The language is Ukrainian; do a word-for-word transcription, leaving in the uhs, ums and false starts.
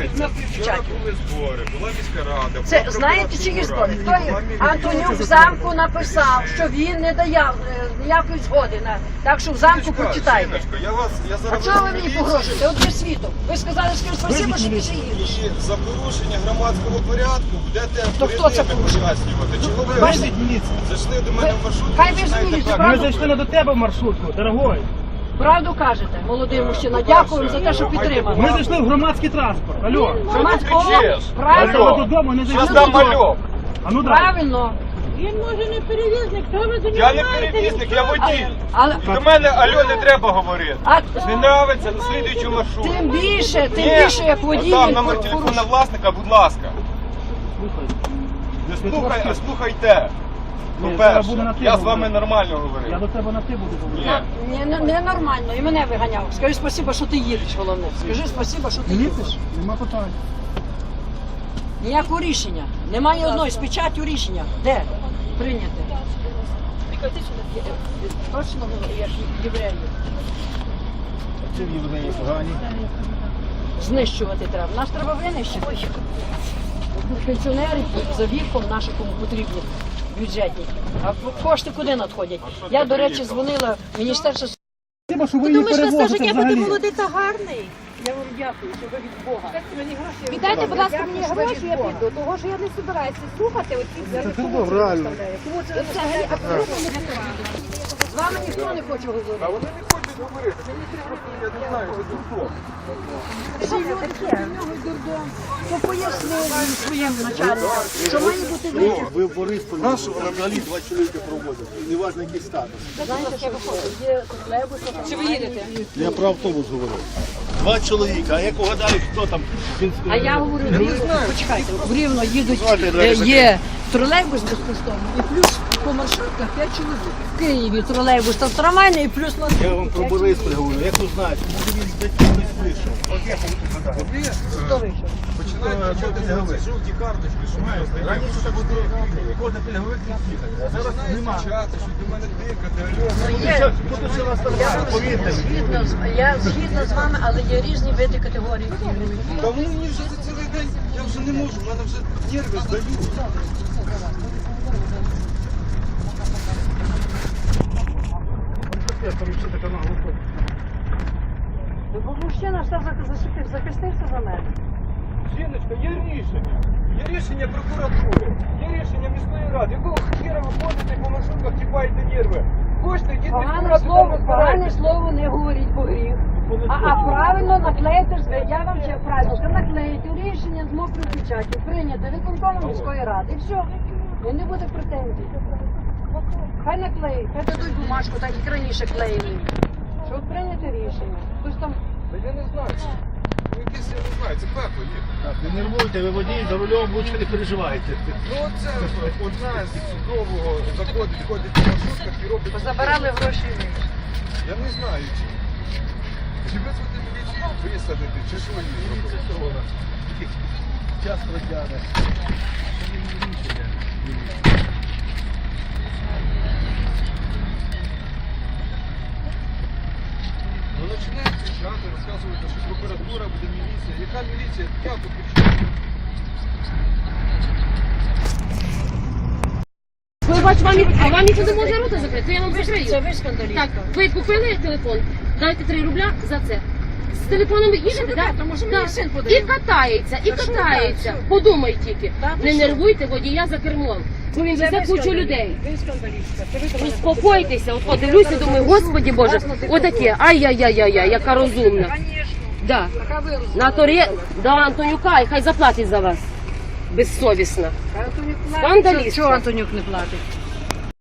на Вчора печаті. були збори, була міська рада. Це була знаєте, чиї збори? Хто є? була Антонюк в замку написав, що він не дає е, ніякої згоди на. Так що в замку Жіночка, почитайте. жіночка, я вас, я А зараз чого ви в мені міліцію. погрожуєте? От є світом. Ви сказали, що спасибо, що ти їдеш. І за порушення громадського порядку будете То хто це перед ними порушив? пояснювати. Чого ви Бачите? зайшли до мене в маршрутку? Хай ви починаєте змінюєте, так правда? Ми зайшли не до тебе в маршрутку, дорогой. Правду кажете, молодий мужчина. по-перше, Дякую за те, що майте підтримали. Ми зайшли в громадський транспорт. Алло. Громадського кричиш. правильно. Ми додому не Щас зайшли. дам мальок. А ну дай. Правильно. Він може не перевізник, хто ви до Я нього не маєте? перевізник, я водій. Але До мене алло не треба говорити. а, Не нравиться, на слідуючу маршрутку. тим більше, тим Ні, більше як водій. там він номер порушує. телефона власника, будь ласка. Слухай. Не слухай, а слухайте. Ні, зараз буде По-перше, на ти я з вами говорити. нормально Я говорю. до тебе на ти буду говорити. Ні. Ні, не, не нормально, і мене виганяв. Скажи спасибо, що ти їдеш, головне. Скажи спасибо, що ти їдеш. Їдеш? Нема питань. Ніякого рішення. Немає одної з печаттю рішення. Де? Прийняте. Точно я ж євреї. Чим євреї погані? Знищувати треба. Нас треба винищити. Пенсіонери за віком наші кому потрібні бюджетні. А кошти куди надходять? Я, до речі, дзвонила в міністерство. Спасибо, що ви Ти її думаєш, на перевозите стажик, я взагалі. буду молодий та гарний? Я вам дякую, що ви від Бога. Віддайте, будь ласка, мені гроші, я піду, того що я не збираюся слухати оці Це тут реально. Кому це взагалі абсолютно не потрібно? З вами ніхто не хоче говорити. А вони не хочуть говорити. Це не просто, я не знаю, це дурдом. Всі люди в нього дурдом. То пояснили своєму начальнику, що має бути вихід. Ви в Борисполі взагалі два чоловіка проводять, і неважно який статус. Знаєте, що виходить? Є тролейбус, чи ви їдете? Я про автобус говорю. Два чоловіка, а як угадають, хто там? А я говорю, в Рівно, почекайте, в Рівно їдуть, Звати, е, давайте є тролейбус безкоштовний і плюс по маршрутках п'ять чоловік. В Києві тролейбус та трамвайний і плюс на Я вам про Борисполь говорю, як ви знаєте, може він з батьків хтось вийшов. От як ви угадали? Хто вийшов? Починають чути жовті карточки, що ми роздаємо. Раніше це було кожен пільговик їхати, а зараз нема. Кричати, що до мене дикати, алло. Є. Тут все вас Я нормально, повірте мені. згідна, з- я згідна з вами, але є різні види категорії. Та вони мені вже за цілий день, я вже не можу, в мене вже нерви здають. Я поручу така наголосу. Бо мужчина все захистив, захистився за мене. Жіночка, є рішення. Є рішення прокуратури, є рішення міської ради. Якого хіра ви ходите по маршрутках, тіпаєте нерви? Хочете, йдіть Погане відкривати, слово, там погане розбирайтесь. слово не говоріть, бо гріх. А, а правильно наклеїти, ж- я вам ще правильно скажу, наклеїти рішення з мокрою печаттю, прийняти виконкомом міської ради. І все. І не буде претензій. Хай наклеїть, хай дадуть бумажку, так як раніше клеїли. Що от прийняти рішення. Хтось там Та я не знаю. Ну якесь, я не знаю, це пекло є. Так, не нервуйте, ви водій, за рулем лучше не переживайте. Ну оце одна з судового заходить, ходить по маршрутках і робить. забирали гроші. Я не знаю, чи, чи визвати міліцію, висадити, чи що її робити. Час протягне. Ну починають кричати, розказувати, що прокуратура буде міліція. Яка міліція? Я тут кричу. Ви бачите, вам, і- а вам ніхто не може рота закрити, то я вам Це закрию. ви скандалістка. Так, ви купили телефон, дайте три рубля за це. З телефоном ви їдете, ви так? кажете? Може, мені Так. син І подарує? катається, і Та що ви катається. кажете? Подумай тільки. Та ви Не що? нервуйте водія за кермом. Бо він Це везе ви кучу скандалістка. людей. Ви скандалістка. Це ви до мене Успокойтеся, от подивлюся, думаю, господі Боже, отаке, ай-яй-яй-яй, яка розумна. Конечно. Да. Така вирусна. На торі, до Антонюка, і хай заплатить за вас. Безсовісна. Антонюк платить. Скандалістка. Чого Антонюк не платить?